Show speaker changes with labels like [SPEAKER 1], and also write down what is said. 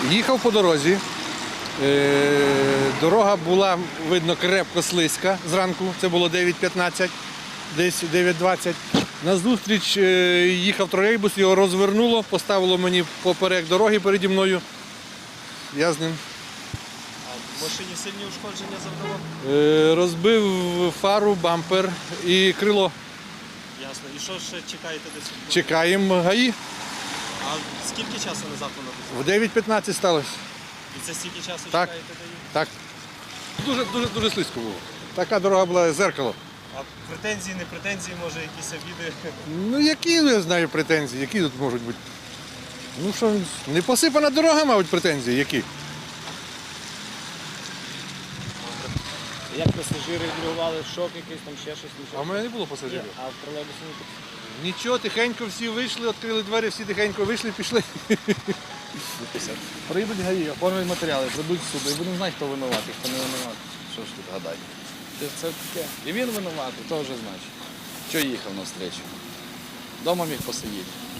[SPEAKER 1] Їхав по дорозі. Дорога була, видно, крепко слизька зранку, це було 9:15, десь 9:20. Назустріч їхав тролейбус, його розвернуло, поставило мені поперек дороги переді мною. Я з ним.
[SPEAKER 2] А в машині сильні ушкодження завдало?
[SPEAKER 1] Розбив фару, бампер і крило.
[SPEAKER 2] Ясно. І що ще чекаєте десь?
[SPEAKER 1] Чекаємо ГАІ.
[SPEAKER 2] А скільки часу назад воно було?
[SPEAKER 1] В 9:15 сталося.
[SPEAKER 2] І це стільки часу
[SPEAKER 1] Так.
[SPEAKER 2] чекаєте до їх?
[SPEAKER 1] Так. Дуже слизько було. Така дорога була, зеркало.
[SPEAKER 2] А претензії, не претензії, може якісь обіди?
[SPEAKER 1] Ну які, я знаю, претензії, які тут можуть бути? Ну що, не посипана дорога, мабуть, претензії, які?
[SPEAKER 3] Як пасажири відреагували, шок якийсь, там ще щось,
[SPEAKER 1] А
[SPEAKER 3] нічого?
[SPEAKER 1] в мене не було пасажирів.
[SPEAKER 3] А в тролейбусі не так?
[SPEAKER 1] Нічого, тихенько всі вийшли, відкрили двері, всі тихенько вийшли, пішли.
[SPEAKER 4] Прийдуть ГАІ, оформлять матеріали, прийдуть в суд і будемо знати, хто винуватий, хто не винуватий. Що ж тут гадати? Це таке. І він винуватий, то вже значить. Що їхав на встречу? Дома міг посидіти.